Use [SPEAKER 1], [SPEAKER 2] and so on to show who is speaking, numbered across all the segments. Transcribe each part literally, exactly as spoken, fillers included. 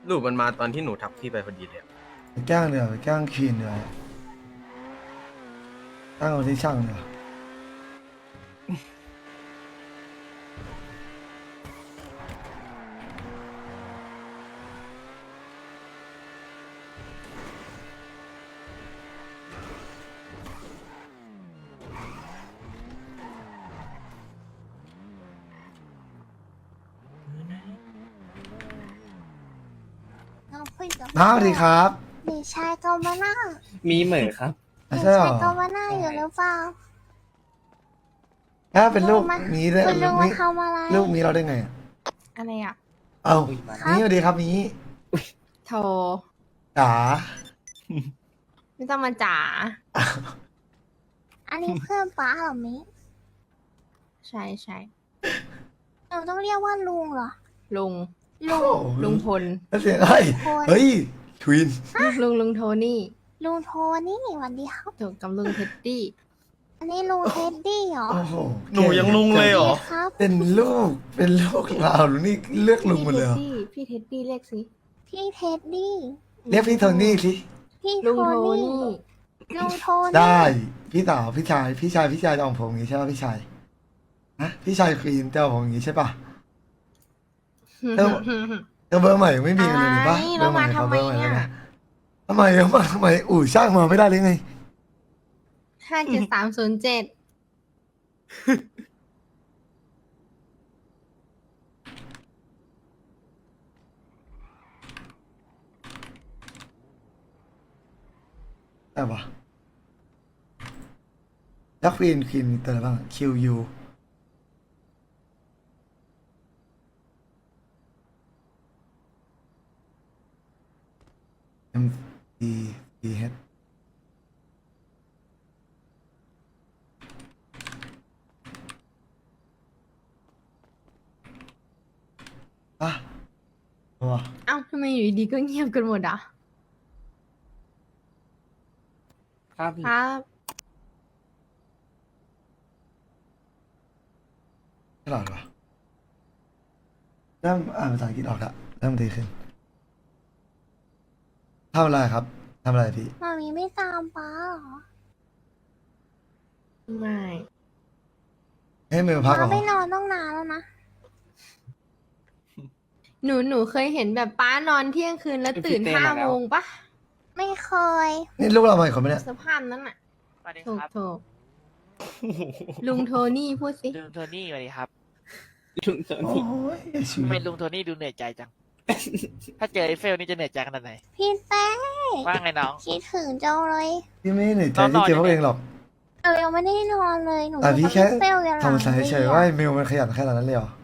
[SPEAKER 1] รูปมันมาตอนที่หนูทักพี่ไปพอดีเลยอะ
[SPEAKER 2] ไปแกล้งเดี๋ยวไปแกล้งคีนเดี๋ยวตั้งเอาที่ช่างเดี๋ยว
[SPEAKER 3] เราคุยกับ
[SPEAKER 2] น้าสวัสดีครับ
[SPEAKER 3] เด็กชายโตมาน่า
[SPEAKER 4] มีเหมอครับ
[SPEAKER 3] เด็ก
[SPEAKER 2] ใช่เหร
[SPEAKER 3] ชาย
[SPEAKER 2] อ
[SPEAKER 3] โตมาน่าอยู่หรือเปล่า
[SPEAKER 2] ถ้าเป็นลูก
[SPEAKER 3] มา
[SPEAKER 2] นี้ได้
[SPEAKER 3] คุณลุง
[SPEAKER 2] มี
[SPEAKER 3] มาทำอะไร
[SPEAKER 2] ลูกมีเราได้ไงอะ
[SPEAKER 5] อะไรอ่ะ
[SPEAKER 2] เอ้า
[SPEAKER 4] อุ๊ยมา
[SPEAKER 2] นี่สวัสดีครับนี้
[SPEAKER 5] โทร
[SPEAKER 2] จ๋า
[SPEAKER 5] ไม่ต้องมาจ๋า
[SPEAKER 3] อันนี้เพื่อนป้าเหรอมิ
[SPEAKER 5] ใช่ใช่
[SPEAKER 3] เราต้องเรียกว่าลุงเหรอ
[SPEAKER 5] ลุง
[SPEAKER 3] ลุง
[SPEAKER 2] โอ้โห
[SPEAKER 5] ลุงพล
[SPEAKER 2] แล้วเสียงเฮ้ย
[SPEAKER 3] พล
[SPEAKER 2] เฮ้ยทวิน
[SPEAKER 5] ลุงลุงโทนี่
[SPEAKER 3] ลุงโทนี่สวัสดีครับ
[SPEAKER 5] ถูกกับลุงเท็ดดี้
[SPEAKER 3] อันนี้ลุงเท็ดดี้เหรอ
[SPEAKER 2] โอ้โห
[SPEAKER 1] หนูยังลุงเลยเหรอ
[SPEAKER 3] ครับ
[SPEAKER 2] เป็นลูกเป็นลูกเราหรือนี่เลือกลุงหมดเลยเหรอ
[SPEAKER 5] พี่พี่เท็ดดี้เรียกสิ
[SPEAKER 3] พี่เท็ดดี้
[SPEAKER 2] เรียกพี่โทนี่สิ
[SPEAKER 3] พี่
[SPEAKER 5] ลุง
[SPEAKER 3] โท
[SPEAKER 5] โท
[SPEAKER 3] นี่
[SPEAKER 5] นี่
[SPEAKER 3] ลุงโทนี่
[SPEAKER 2] ได้พี่สาวพี่ชายพี่ชายพี่ชายจะเอาผมอย่างนี้ใช่ป่ะพี่ชายนะพี่ชายควีนจะเอาผมอย่างนี้ใช่ป่ะ เอ้า เออเบอร์ใหม่ไม่มีกันเลยนี่ปะ
[SPEAKER 5] อะไร
[SPEAKER 2] เบอร์ใหม่
[SPEAKER 5] แล้วมา
[SPEAKER 2] ขอเบอร์ใหม่
[SPEAKER 5] ทำไม
[SPEAKER 2] เลย
[SPEAKER 5] เนี่ย
[SPEAKER 2] นะทำไมเอามาทำไมอู่ช่างมาไม่ได้เลยไง
[SPEAKER 5] ห้าเจ็ดสามศูนย์เจ็ด
[SPEAKER 2] ได้ปะแล้วควีนควีนมีตัวอะไรบ้าง คิว ยู เอ็ม ดี ดี เอช อ่ะตัว
[SPEAKER 5] เอ้าทำไมอยู่ดีๆก็เงียบกันหมดอ่ะ
[SPEAKER 4] ครับพี่
[SPEAKER 5] ครับ
[SPEAKER 2] ฉลาดปะเริ่มอ่านภาษาอังกฤษออกละเริ่มดีขึ้นทำอะไรครับทำอะไรพี่
[SPEAKER 3] มามีไม่ตามป้าเหรอ
[SPEAKER 5] ไม่
[SPEAKER 2] ให้มือพักเหร
[SPEAKER 3] ป้า
[SPEAKER 2] อ
[SPEAKER 3] ไม่นอนต้องนานแล้วนะ
[SPEAKER 5] หนูหนูเคยเห็นแบบป้านอนเที่ยงคืนแล้วตื่นห้าโมงปะ
[SPEAKER 3] ไม่เคย
[SPEAKER 2] นี่ลูกเราใหม่คนไหมเนี่ย
[SPEAKER 5] สภาพนั้นอ่ะ
[SPEAKER 6] สวัสดี
[SPEAKER 5] ถูก
[SPEAKER 6] ครับ
[SPEAKER 5] ถูกลุงโทนี่พูดสิ
[SPEAKER 6] ลุงโทนี่สวัสดีครับ
[SPEAKER 4] ลุงโท
[SPEAKER 2] โอ้
[SPEAKER 4] นี่
[SPEAKER 2] ยชี
[SPEAKER 6] ทำไม
[SPEAKER 2] วิต
[SPEAKER 6] ลุงโทนี่ดูเหนื่อยใจจัง ถ้าเจอไอ้เฟลนี่จะเหนื่อยใจขนาดไหน
[SPEAKER 3] พี่แต้ง
[SPEAKER 6] ว่าไงน้อง
[SPEAKER 3] คิดถึงจังเลย
[SPEAKER 2] พี่ไม่เหนื่อยใจ
[SPEAKER 6] นอน
[SPEAKER 2] ที่เจอ
[SPEAKER 6] ๆ
[SPEAKER 2] พวกเองหรอก
[SPEAKER 3] เออยังไม่ได้นอนเลยหนู
[SPEAKER 2] แต่พี่
[SPEAKER 3] อยู่
[SPEAKER 2] แค่
[SPEAKER 3] กับเฟลกันหลัง
[SPEAKER 2] ทำสายเฉยๆว่าไอ้มิวมันขยันขนาดนั้นเลยเหรอ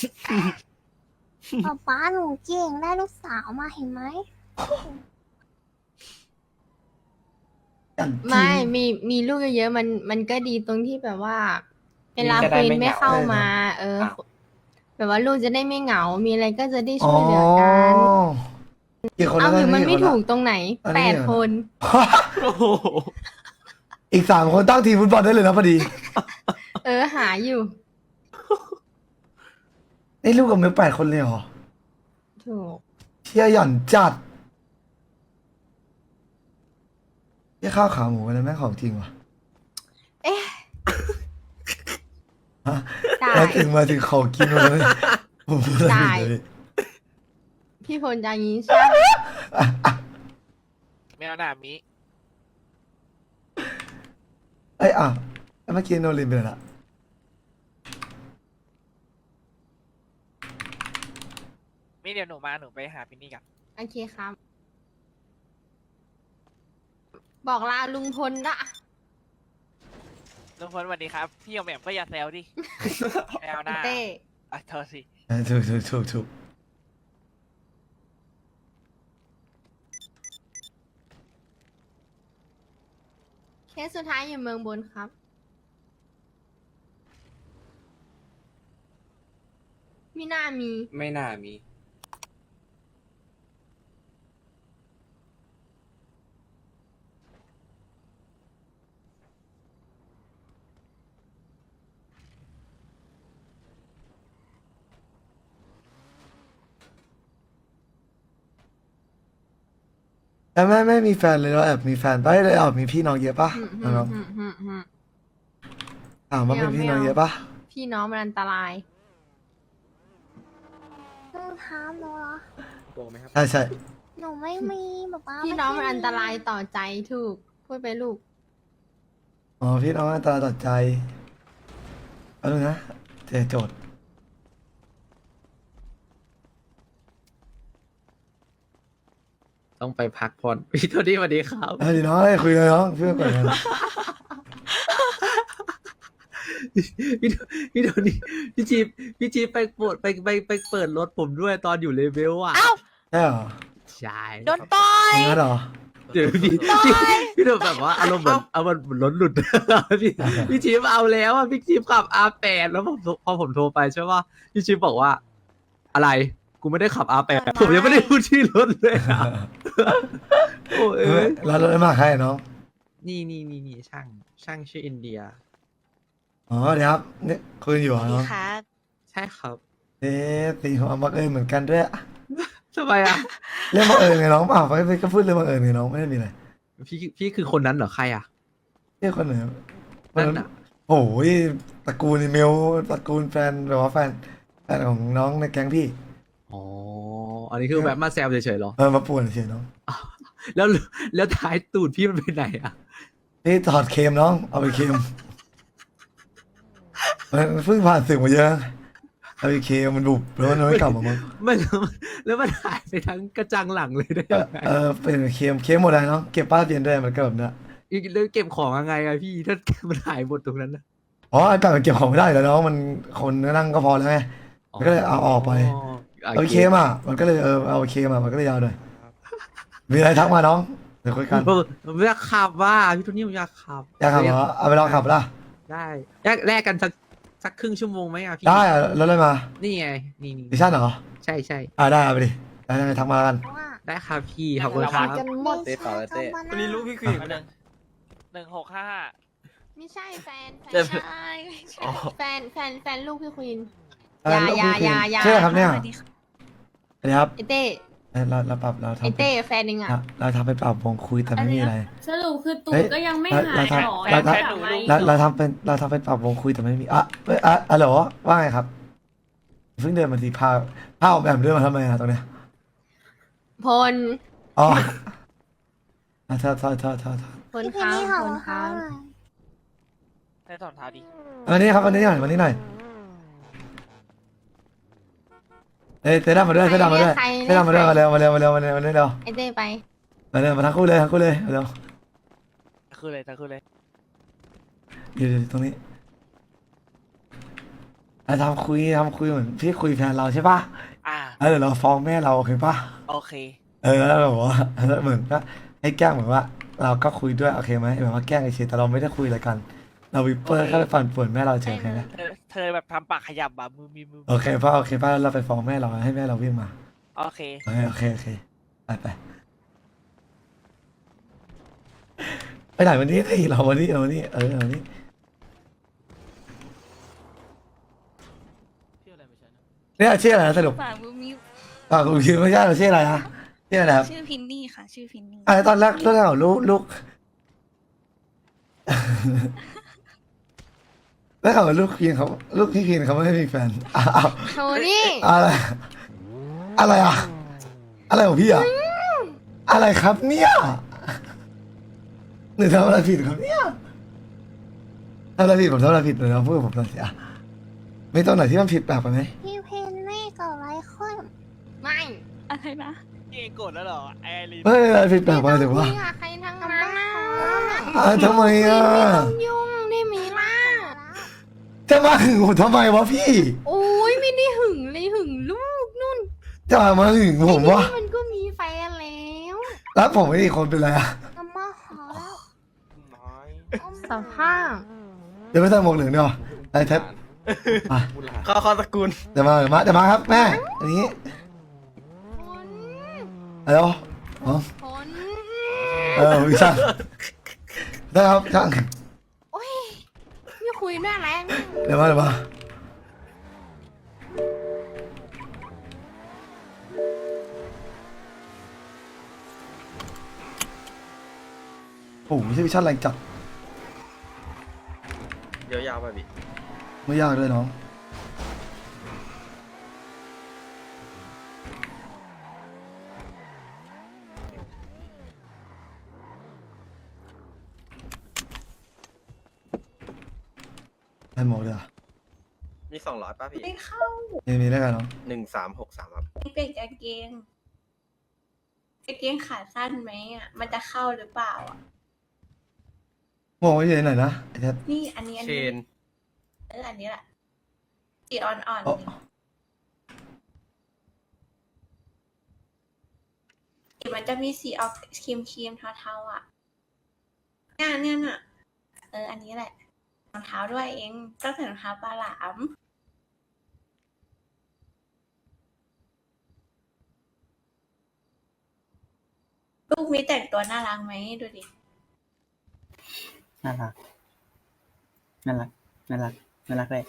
[SPEAKER 3] ป๊าป๊าหนูเก่งได้ลูกสาวมาเห็นไหม
[SPEAKER 2] อย่างจริง
[SPEAKER 5] ไม่มีมีลูกเยอะๆมันมันก็ดีตรงที่แบบว่า เวลาควีนไม่เข้ามา เออ แบบว่าลูกจะได้ไม่เหงา มีอะไรก็จะได้
[SPEAKER 2] อ๋อ
[SPEAKER 5] ช่วยเหลือกัน
[SPEAKER 2] กี่คน
[SPEAKER 5] เอา
[SPEAKER 2] แล้ว
[SPEAKER 5] หรือมัน
[SPEAKER 2] กี่
[SPEAKER 5] ไม่
[SPEAKER 2] คละ
[SPEAKER 5] ถูกตรงไหน
[SPEAKER 2] อันนี้
[SPEAKER 5] แปด
[SPEAKER 2] เหรอ
[SPEAKER 5] คน
[SPEAKER 4] โอ้โห
[SPEAKER 2] อีกสามคนตั้งทีมฟุตบอลได้เลยนะพอดี
[SPEAKER 5] เออหาอยู่
[SPEAKER 2] ไอ้ลูกกับมิวแปดคนเลยเหรอ
[SPEAKER 5] ถูก
[SPEAKER 2] เชี่ยหย่อนจัดเชี่ยข้าวขาหมูอะไรแม่งของจริงว่ะ
[SPEAKER 5] เอ๊ะ
[SPEAKER 2] ฮะ
[SPEAKER 5] ได้
[SPEAKER 2] มาถึงมาถึงของกินมาเลยผมพูดอะไร
[SPEAKER 5] ได้
[SPEAKER 2] ผิดเลย
[SPEAKER 5] พี่พลจะอย่างนี้ใช่ไหม
[SPEAKER 6] แมวหน้ามิ
[SPEAKER 2] เอ้ยอ่ะแล้วเมื่อกี้โนรินไปไหนละ
[SPEAKER 6] มิเดี๋ยวหนูมาหนูไปหาพินนี่กัน
[SPEAKER 5] โอเคครับ บอกลาลุงพลละ
[SPEAKER 6] ลุงพลสวัสดีครับ พี่เอาแหม่มก็อย่าแซวดิ แมวหน้า
[SPEAKER 5] เต้
[SPEAKER 6] อ่ะโทษสิ
[SPEAKER 2] เออถูกถูกถูกถูก
[SPEAKER 5] เคสสุดท้ายอยู่เมืองบนครับ มีหน้ามี
[SPEAKER 4] ไม่น่ามี
[SPEAKER 2] แต่แม่ไม่มีแฟนเลยเราแอบมีแฟนปะเลยแอบมีพี่น้องเยอะปะ
[SPEAKER 5] อืม
[SPEAKER 2] น้อง
[SPEAKER 5] อืมอืมอืม
[SPEAKER 2] ๆถามว่าเป็นพี่น้องเยอะปะ
[SPEAKER 5] พี่น้องมันอันตราย
[SPEAKER 3] หนูถามหนูเหรอ
[SPEAKER 4] โกงไหมครับ
[SPEAKER 2] ใช่ใช่
[SPEAKER 3] หนูไม่มีแบบว่า
[SPEAKER 5] พี่น้องมันอันตรายต่อใจถูก พูดไปลูก
[SPEAKER 2] อ๋อพี่น้องอันตราตัดใจเอาดูนะเจอโจทย์
[SPEAKER 4] ต้องไปพักผ่อนพี่โทนี่สวัสดีครับ
[SPEAKER 2] เอาดิน้องให้คุยเลยน้องเพื่อนก่อนนะ
[SPEAKER 4] พี่โทพี่โทนี่พี่จีบพี่จีบไปเปิดไปไปไปเปิดรถผมด้วยตอนอยู่เลเวลอ่ะ
[SPEAKER 2] ใช่เหรอ
[SPEAKER 4] ใช่
[SPEAKER 6] โดนปล่อย
[SPEAKER 2] งั้นเหรอ
[SPEAKER 4] เดี๋ยวพี่พี่พี่โดนแบบว่าอารมณ์เหมือนเอามันรถหลุด พี่พี่จีบเอาแล้วอ่ะพี่จีบขับ อาร์ แปด แล้วผมพอผมโทรไปใช่ป่ะพี่จีบบอกว่า อะไรกูไม่ได้ขับ อาร์ แปด ผมยังไม่ได้พูดชื่อรถเลยอะโอ้เอ้ย
[SPEAKER 2] แล้วรถได้มาใครน้อง
[SPEAKER 4] นี่นี่นี่นี่ช่างช่างชื่ออินเดีย
[SPEAKER 2] อ๋อเดี๋ยวครับนี่คุยอยู่เหรอน้อง
[SPEAKER 4] ใช่ครับ
[SPEAKER 2] เอ๊ะตีหัวบังเอิญเหมือนกันด้วย
[SPEAKER 4] ทำไมอ่ะ
[SPEAKER 2] เรื่องบังเอิญไงน้องเปล่าไปก็พูดเรื่องบังเอิญไงน้องไม่ได้มีอะไร
[SPEAKER 4] พี่พี่คือคนนั้นเหรอใครอ่ะ
[SPEAKER 2] เรียกคนไหน
[SPEAKER 4] นั่นน่ะ
[SPEAKER 2] โอ้ยตระกูลอีเมลตระกูลแฟนแบบว่าแฟนแฟนของน้องในแก๊งพี่
[SPEAKER 4] อ๋ออันนี้คือแบบมาแซวเฉยๆเหรอ
[SPEAKER 2] เออมาป่วนเฉยน้อง
[SPEAKER 4] แล้วแล้วท้ายตูดพี่มันไปไหนอ่ะ
[SPEAKER 2] พี่ถอดเคมน้องเอาไปเคมมันเพิ่งผ่านศึกมาเยอะเอาไปเคมมันบุบแล้วมันไม่กลับมามั้ง
[SPEAKER 4] มันแล้วมันหายไปทั้งกระจังหลังเลยได้ยังไง
[SPEAKER 2] เออเป็นเคมเคมหมดเลยน้องเก็บป้าเปลี่ยนได้มันก็แบบนั้น
[SPEAKER 4] อีกเรื่องเก็บของยังไงอะพี่ถ้ามันหายหมดตรงนั้นนะ
[SPEAKER 2] อ๋อไอ้แต่มันเก็บของไม่ได้แล้วน้องมันคนนั่งก็พอแล้วไง มันก็เลยเอาออกไป เอาเคมอ่ะมันก็เลยเออเอาเคมอ่ะมันก็เลยยาวหน่อยมีอะไรทักมาน้องเดี๋ยวคุยกัน
[SPEAKER 4] ผมผมอยากขับว่าพี่โทนี่ผมอยากขับ
[SPEAKER 2] อยากขับเหรอเอาไปลองขับละ
[SPEAKER 4] ได้แลกแลกกันสักสักครึ่งชั่วโมงไหมอะพี่
[SPEAKER 2] ได้อะแล้วอะไรมา
[SPEAKER 4] นี่ไงนี่นี่
[SPEAKER 2] ดิชั่นเหรอ
[SPEAKER 4] ใช่ใช่
[SPEAKER 2] อ่าได้เอาไปดิได้ได้ทักมาแล้วกัน
[SPEAKER 3] เพราะว่า
[SPEAKER 4] ได้ครับพี่ขอบคุณครับ
[SPEAKER 5] กันหมด
[SPEAKER 3] เต้ต่อเลยเต้
[SPEAKER 1] วันนี้รู้พี่คุยกันยัง
[SPEAKER 6] หนึ่งหกห้าห้า
[SPEAKER 5] ไม่ใช่แฟนแฟ
[SPEAKER 1] เจ็
[SPEAKER 5] น
[SPEAKER 1] บ
[SPEAKER 6] ใช่ไม่ใช่
[SPEAKER 1] อ๋อ
[SPEAKER 5] แฟนแฟนแฟนลูกพี่ควีน
[SPEAKER 2] เออ
[SPEAKER 5] อย่า
[SPEAKER 2] ลูกพี่
[SPEAKER 5] อย่าอย่า
[SPEAKER 2] ใช่ไหมครับเนี่ย
[SPEAKER 6] สวัสดีค่ะ
[SPEAKER 2] อันนี้ครับ
[SPEAKER 5] ไอเต้
[SPEAKER 2] เอ้ยเราเราปรับเรา
[SPEAKER 5] ไอ
[SPEAKER 2] ทำ
[SPEAKER 5] เต้แฟนเองอ่ะ
[SPEAKER 2] เราเราทำเป็นปรับวงคุยแต่ไม่มีอะไร
[SPEAKER 7] สรุปคือตู
[SPEAKER 2] เฮ้
[SPEAKER 7] ด
[SPEAKER 2] ย
[SPEAKER 7] ก็ยังไม่
[SPEAKER 2] เรา
[SPEAKER 7] หาย
[SPEAKER 2] เรา
[SPEAKER 7] หรอ
[SPEAKER 2] เรา
[SPEAKER 7] ยังไม่กลับมาอีก
[SPEAKER 2] เรา
[SPEAKER 7] เหร
[SPEAKER 2] เรา
[SPEAKER 7] อ
[SPEAKER 2] ทำเป็นเราทำเป็นปรับวงคุยแต่ไม่มีอ่ะเอ้ยอ่ะอ่ะเหรอว่าไงครับเพิ่งเดินมาทีพาพาออกแบบเดินมาทำไมอะตรงเนี้ย
[SPEAKER 5] พล
[SPEAKER 2] อ๋ออ่ะเธอเธอเธอเธอเธอ
[SPEAKER 5] พล
[SPEAKER 3] พี่เพ
[SPEAKER 5] ค้าน ง
[SPEAKER 3] นี่ค่ะ
[SPEAKER 5] พล
[SPEAKER 3] ว่าเขา
[SPEAKER 5] ค้าง
[SPEAKER 3] อะไร
[SPEAKER 6] ได้ถอนเท้าดิ
[SPEAKER 2] วันนี้ครับวันนี้หน่อยวันนี้หน่อยเอ้ยเต้ดำมาด้วยเต้ดำมาด้วยเต้ดำมาด้วยมาเร็วมาเร็วมาเร็วมาเร็วมาเร็วเร็ว
[SPEAKER 5] ไอเต้ไป
[SPEAKER 2] มาเร็วมาทั้งคู่เลยทั้งคู่เลยมาเร็ว
[SPEAKER 6] คือเลยคือเลย
[SPEAKER 2] อยู่ตรงนี้เราทำคุยทำคุยเหมือนพี่คุยแฟนเราใช่ปะ
[SPEAKER 6] อ่า
[SPEAKER 2] แล้วเดี๋ยวเราฟ้องแม่เราโอเคปะ
[SPEAKER 6] โอเค
[SPEAKER 2] เออแล้วแบบว่าเหมือนก็ให้แกล้งเหมือนว่า เราก็คุยด้วยโอเคไหมแบบว่าแกล้งเฉยๆแต่เราไม่ได้คุยอะไรกัน เราวิปเปอร์แค่ไปปั่นป่วนแม่เราเฉยๆนะ
[SPEAKER 6] เธอเธอแบบทำปากขยับแบบมือมีมือ
[SPEAKER 2] โอเคป่ะโอเคป่ะเราไปฟ้องแม่เราให้แม่เราวิ่งมา
[SPEAKER 6] โอเค
[SPEAKER 2] โอเคโอเคโอเคไปไปไปไหนวันนี้สิเราวันนี้เราวันนี้เออวันนี้เนี่ยชื่ออะไรนะสรุป
[SPEAKER 7] ฝากบูมิว
[SPEAKER 2] อ่าคุณคิดไม่ใช่เราชื่ออะไรนะชื่ออะไรครับ
[SPEAKER 7] ชื่อพินนี่ค่ะ ชื่อพินนี่
[SPEAKER 2] อ่าตอนแรกตอนแรกลูกลูก แล้วเขาลูกพีนเขาลูกพี่พีนเขาไม่ได้มีแฟนอ้าว
[SPEAKER 5] โทนี่
[SPEAKER 2] อะไรอะไรอ่ะอะไรของพี่อ่ะอะไรครับเนี่ยหนูทำอะไรผิดครับเนี่ยทำอะไรผิดผมทำอะไรผิดหนูลองพูดกับผมหน่อยสิอ่ะไม่ตรงไหนที่มันผิดแปลกไปไหม
[SPEAKER 3] พี่เพนนี่กับไรขึ้น
[SPEAKER 5] ไม่
[SPEAKER 7] อะไรนะ
[SPEAKER 6] พี่เองโกรธแล้วเหรอไอรีน
[SPEAKER 2] ไม่อะไรผิดแปลกไปถือว่า
[SPEAKER 5] ไม่ต้องคุยกับใครทั้งนั้นนะ
[SPEAKER 2] อ่ะทำไมอ่ะ
[SPEAKER 5] ไม่ต้องยุ่งได้ไหมล่ะ
[SPEAKER 2] จะมาหึงผมทำไมวะพี่
[SPEAKER 5] โอ้ยไม่ได้หึงเลยหึงลูกนุ่น
[SPEAKER 2] จะมาหึงผมวะ
[SPEAKER 5] ไอ้นี่มันก็มีแฟนแล้ว
[SPEAKER 2] แล้วผมไม่มีคนเป็นไรอ่ะ
[SPEAKER 3] กำมาหาแล้ว
[SPEAKER 6] น้อย
[SPEAKER 5] สภาพ
[SPEAKER 2] เดี๋ยวไม่ใส่หมวกเหลืองดีกว่าไอ้เท็ดอ่ะ
[SPEAKER 1] เข้าเข้าตระกูล
[SPEAKER 2] เดี๋ยวมาเดี๋ยวมาเดี๋ยวมาครับแม่อันนี้
[SPEAKER 5] ผล
[SPEAKER 2] อะไรวะอ๋อ
[SPEAKER 5] ผล
[SPEAKER 2] เออพี่ช่างได้ครับช่าง
[SPEAKER 5] โอ้ยไม่คุยด้วยแรง
[SPEAKER 2] เดี๋ยวมาเดี๋ยวมาโอ้โหไม่ใช่วิชั่นแรงจัด
[SPEAKER 1] เดี๋ยวยาวไปพี่
[SPEAKER 2] ไม่ยากเลยน้องได้หมดเลยอ่ะ
[SPEAKER 1] มีสองร้อยป่ะพี่
[SPEAKER 7] ไม่เข้า
[SPEAKER 2] มีมีได้กันน้อง
[SPEAKER 1] หนึ่งสามหกสามครับ
[SPEAKER 7] เปลี่ยนกางเกงกางเกงขาสั้นไหมอ่ะ มันจะเข้าหรือเปล่าอ่ะ
[SPEAKER 2] มองไว้อยู่ไหนนะไอ้แท้
[SPEAKER 7] นี่อันนี้อัน
[SPEAKER 1] เช
[SPEAKER 7] นี้
[SPEAKER 1] น
[SPEAKER 7] เอออันนี้แหละสีอ่อน
[SPEAKER 2] อ๋อ
[SPEAKER 7] ๆสีมันจะมีสีออกครีมครีมๆเทาๆอ่ะเนี่ยเนี่ยน่ะ เออ อันนี้แหละรองเท้าด้วยเองต้องใส่รองเท้าปลาหลาม ลูกมีแต่งตัวน่ารักไหมดูดิ
[SPEAKER 8] น่ารัก น่ารัก น่ารัก น่ารักเลย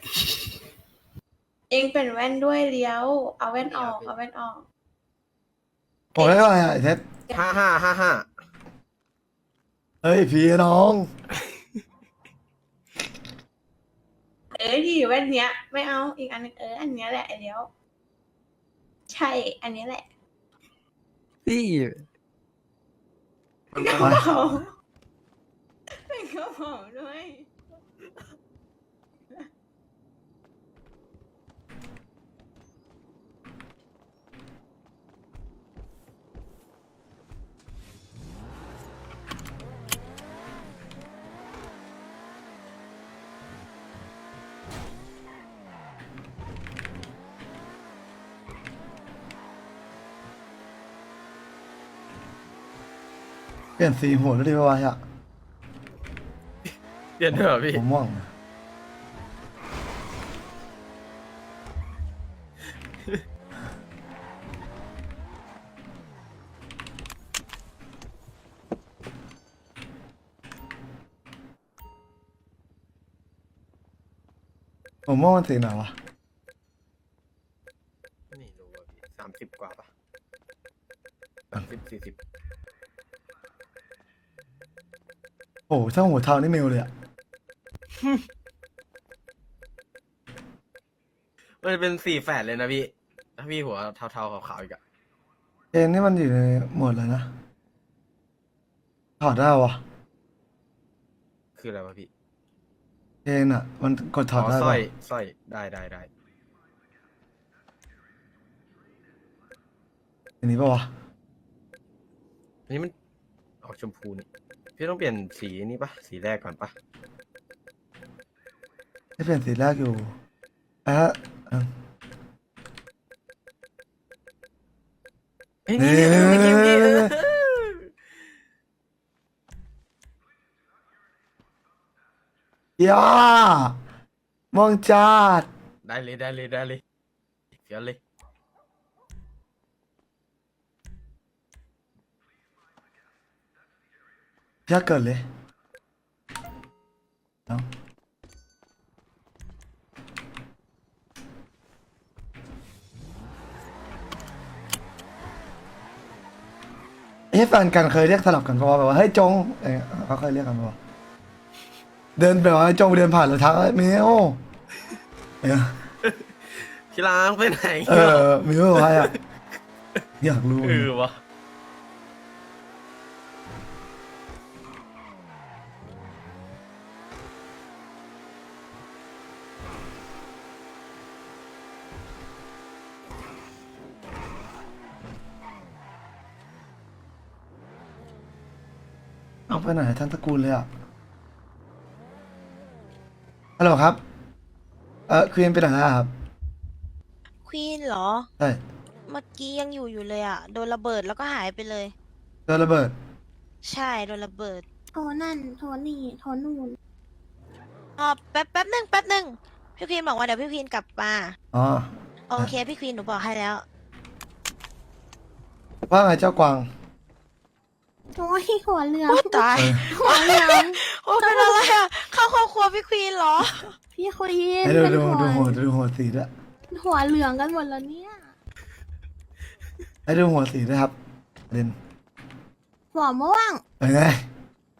[SPEAKER 7] เองเป็นแว่นด้วยเลี้ยว เอาแว่นออก เอาแว่นออก
[SPEAKER 2] บอกได้เท่าไหร่อ่ะไอ้แท้
[SPEAKER 1] ห้าห้าห้าห้า
[SPEAKER 2] เฮ้ยพี่น้อง
[SPEAKER 7] เอ้ยดีแว่นเนี้ย ไม่เอาอีกอันนึงเอออันเนี้ยแหละไอเลี้ยว ใช่ อันนี้แหละ
[SPEAKER 4] พี่
[SPEAKER 7] กระเป๋าเป็นกระเป๋าด้วย
[SPEAKER 2] เปลี่ยนสีหัวแล้วดีป่าวะอ่ะ
[SPEAKER 1] เปลี่ยนเถอะพี่
[SPEAKER 2] ผมม่วงผมม่วงมันสีไหนวะ
[SPEAKER 1] นี่รู้ว่าพี่สามสิบกว่าป่ะสามสิบสี่สิบ
[SPEAKER 2] โอ้โหถ้าหัวเทานี่เมลเลยอ่ะ
[SPEAKER 1] มันจะเป็นสี่แฝดเลยนะพี่ ถ้าพี่หัวเทาๆขาวๆอีกอะ
[SPEAKER 2] เจนนี่มันอยู่ในหมวดเลยนะถอดได้วะ
[SPEAKER 1] คืออะไรวะพี่
[SPEAKER 2] เจนอ่ะ มันกดถอดได้
[SPEAKER 1] สร้
[SPEAKER 2] ปะ
[SPEAKER 1] อยสร้อยได้ได้ได้
[SPEAKER 2] อันนี้ปะวะ
[SPEAKER 1] อันนี้มันออกชมพูนี่ พี่ต้องเปลี่ยนสีนี้ปะสีแรกก่อนปะ
[SPEAKER 2] ให้เปลี่ยนสีแรกอยู่อ่ะเอ้า
[SPEAKER 1] เฮ้ยนี่นี่เออไม่เกมนี่เออ
[SPEAKER 2] ย่ามองจัด
[SPEAKER 1] ได้เลยได้เลยได้เลยเดี๋ยวเลย
[SPEAKER 2] ยากเกินเลยเนาะเอ้แฟนกันเคยเรียกสลับกันปะวะแบบว่าเฮ้ยจงเอ้ยเขาเคยเรียกกันปะวะเดินแบบว่าจงเดินผ่านแล้วทักเอ้ยมิวเออ
[SPEAKER 1] พี่ล้างไปไหน
[SPEAKER 2] เออมิวอะไรอ่ะอยากรู้
[SPEAKER 1] เออวะ
[SPEAKER 2] เอาไปไหนทั้งตระกูลเลยอ่ะฮัลโหลครับเออควีนไปไหนแล้วครับ
[SPEAKER 9] ควีนเหรอ
[SPEAKER 2] ใช่
[SPEAKER 9] เมื่อกี้ยังอยู่อยู่เลยอ่ะ โดนระเบิดแล้วก็หายไปเลย
[SPEAKER 2] โดนระเบิด
[SPEAKER 9] ใช่ โดนระเบิด
[SPEAKER 3] โทรนั่น โทรนี่ โทรนู่น
[SPEAKER 9] อ๋อแป๊บแป๊บหนึ่งแป๊บหนึ่งพี่ควีนบอกว่าเดี๋ยวพี่ควีนกลับมา
[SPEAKER 2] อ๋อ
[SPEAKER 9] โอเค พี่ควีนหนูบอกให้แล้ว
[SPEAKER 2] ว่าไงเจ้ากวาง
[SPEAKER 3] โอ้ยหัวเหลือง
[SPEAKER 9] โอ้ตาย
[SPEAKER 2] เออ
[SPEAKER 3] หัวเหลือง
[SPEAKER 9] โอ้เป็นอะไรอ่ะ เข้าครอบครัวพี่ควีนเหรอ
[SPEAKER 3] พี่คุยเย็น
[SPEAKER 2] ให้ดู
[SPEAKER 3] เป็น
[SPEAKER 2] ดู
[SPEAKER 3] หัว
[SPEAKER 2] ดูหัวดูหัวสีด้วย
[SPEAKER 3] หัวเหลืองกันหมดแล้วเนี่ย
[SPEAKER 2] ให้ดูหัวสีด้วยครับเรน
[SPEAKER 3] หัวม่วง
[SPEAKER 2] เป็นไง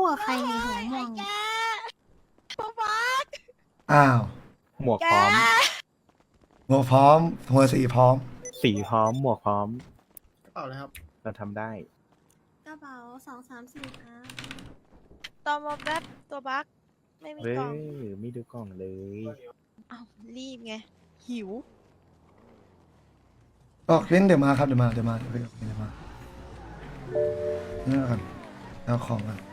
[SPEAKER 3] กับใครในหัวม่วง
[SPEAKER 9] แกป๊าป๊า
[SPEAKER 2] อ้าว
[SPEAKER 6] หมวก
[SPEAKER 9] แก
[SPEAKER 6] พร้อม
[SPEAKER 2] หัวพร้อม หัวสีพร้อม
[SPEAKER 6] สีพร้อม หมวกพร้อม
[SPEAKER 1] กระเป๋าเลยครับ
[SPEAKER 6] เราทำได้
[SPEAKER 3] กระเป๋าสองสามสี่ครับ
[SPEAKER 9] ตอมอแป๊บตัวบักไม่มี
[SPEAKER 6] เฮ้
[SPEAKER 9] กล่อง
[SPEAKER 6] ย ไม่ดูกล่องเลย
[SPEAKER 9] อ้าวรีบไง หิว
[SPEAKER 2] ก็เว้นเดี๋ยวมาครับ เดี๋ยวมา เดี๋ยวมา เดี๋ยวมา เดี๋ยวมานี่แล้วกันเอาของกัน